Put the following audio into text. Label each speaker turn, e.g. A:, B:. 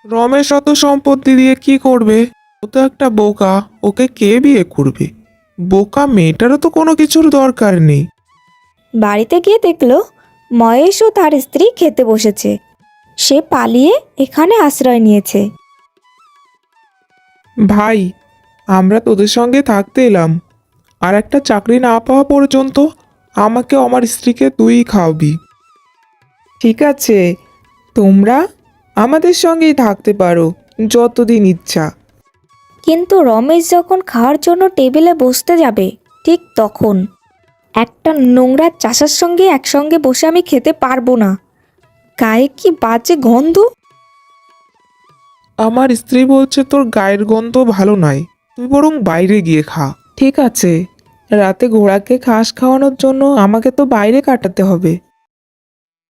A: রমেশ অত সম্পত্তি দিয়ে কি করবে? ও তো একটা বোকা, ওকে কে বিয়ে করবে? বোকা মেয়েটারও তো কোনো কিছুর দরকার নেই।
B: বাড়িতে গিয়ে দেখলো মহেশ ও তার স্ত্রী খেতে বসেছে। সে পালিয়ে এখানে আশ্রয় নিয়েছে।
A: ভাই, আমরা তোদের সঙ্গে থাকতে এলাম, আর একটা চাকরি না পাওয়া পর্যন্ত আমাকে আমার স্ত্রীকে তুই খাওয়াবি। ঠিক আছে, তোমরা আমাদের সঙ্গেই থাকতে পারো যতদিন ইচ্ছা।
B: কিন্তু রমেশ যখন খাওয়ার জন্য টেবিলে বসতে যাবে ঠিক তখন একটা নোংরা চাষার সঙ্গে একসঙ্গে বসে আমি খেতে পারবো না। গায়ে কি বাজে গন্ধ!
A: আমার স্ত্রী বলছে তোর গায়ের গন্ধ ভালো নয়, তুই বরং বাইরে গিয়ে খা। ঠিক আছে, রাতে ঘোড়াকে ঘাস খাওয়ানোর জন্য আমাকে তো বাইরে কাটাতে হবে।